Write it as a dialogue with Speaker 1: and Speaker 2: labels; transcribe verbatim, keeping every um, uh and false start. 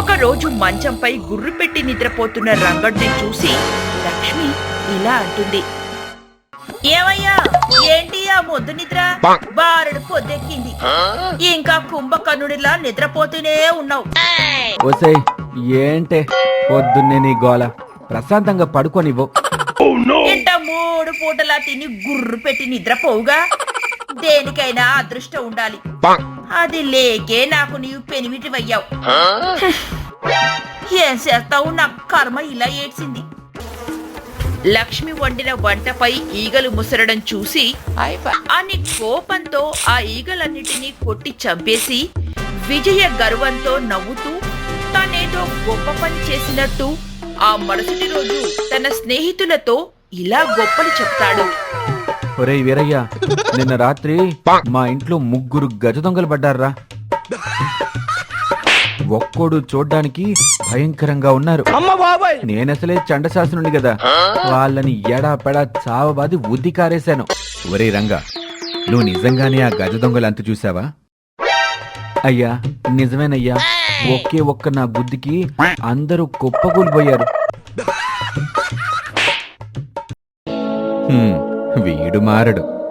Speaker 1: ఒకరోజు మంచంపై గుర్రు పెట్టి నిద్రపోతున్న రంగడిని చూసి లక్ష్మి ఇలా అంటుంది. ఏమయ్యా, ఏంటి ఆ మొద్దు నిద్ర? బారుడు పొద్దెక్కింది, ఇంకా కుంభకర్ణుడిలా నిద్రపోతూనే ఉన్నావు.
Speaker 2: ఓసై, ఏంటే పొద్దున్నే నీ గోల? ప్రశాంతంగా పడుకోనివ్వు.
Speaker 1: ఇంట మూడు పూటలా తిని గుర్రు పెట్టి నిద్రపోవుగా. దేనికైనా అదృష్టం ఉండాలి, అది లేకే నాకు నీవు పెనిమిటివయ్యావు. ఏం చేస్తావు, నా కర్మ ఇలా ఏడ్చింది. లక్ష్మి వండిన వంటపై ఈగలు ముసరడం చూసి అని కోపంతో ఆ ఈగలన్నిటినీ కొట్టి చంపేసి విజయ గర్వంతో నవ్వుతూ తనేదో గొప్ప పని చేసినట్టు ఆ మరుసటి రోజు తన స్నేహితులతో ఇలా గొప్పలు చెప్తాడు.
Speaker 2: ఒరే వీరయ్య, నిన్న రాత్రి మా ఇంట్లో ముగ్గురు గజ దొంగలు పడ్డారా. ఒక్కోడు చూడ్డానికి భయంకరంగా ఉన్నారు. నేనసలే చండశాసనుడి కదా, వాళ్ళని ఎడా పెడా చావబాది ఉద్ది కారేశాను. ఒరే రంగా, నువ్వు నిజంగానే ఆ గజ దొంగలు అంత చూసావా? అయ్యా, నిజమేనయ్యా. ఒకే ఒక్క నా బుద్ధికి అందరూ కుప్పకూలిపోయారు. వీడు మారడు.